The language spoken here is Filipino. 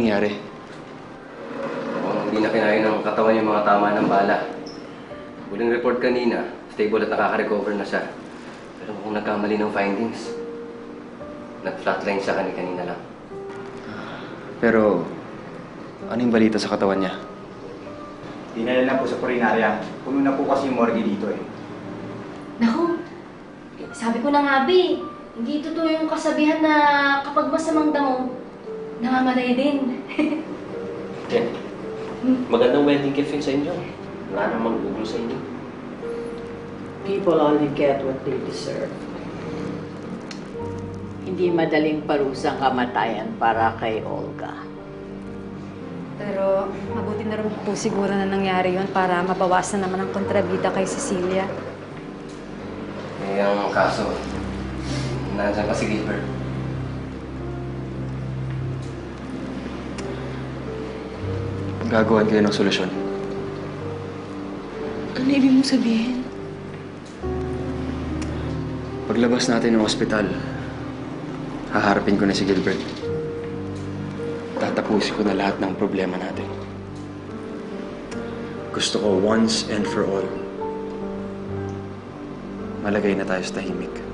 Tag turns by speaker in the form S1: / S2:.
S1: nangyari?
S2: Mukhang hindi na kinain ng katawan yung mga tama ng bala. Huling report kanina, stable at nakaka-recover na siya. Pero mukhang nagkamali ng findings. Nag-flatline siya kanina lang.
S1: Pero, ano yung balita sa katawan niya?
S3: Dinala na po sa purinarya. Puno na po kasi yung morgue dito eh.
S4: Naku, sabi ko na nga, Bi, hindi totoo yung kasabihan na kapag masamang damo, namamatay din.
S5: Ken, magandang wedding gift yun sa inyo. Wala namang gugulo sa inyo.
S6: People only get what they deserve. Hindi madaling parusang kamatayan para kay Olga.
S7: Pero mabuti na rin po siguro na nangyari yon para mabawasan naman ang kontrabida kay Cecilia.
S2: Eh, ang kaso, nandiyan pa si Gilbert.
S1: Gagawan kayo ng solusyon.
S8: Ano ibig mong sabihin?
S1: Paglabas natin ng ospital, haharapin ko na si Gilbert. Tatapusin ko na lahat ng problema natin. Gusto ko once and for all, malagay na tayo sa tahimik.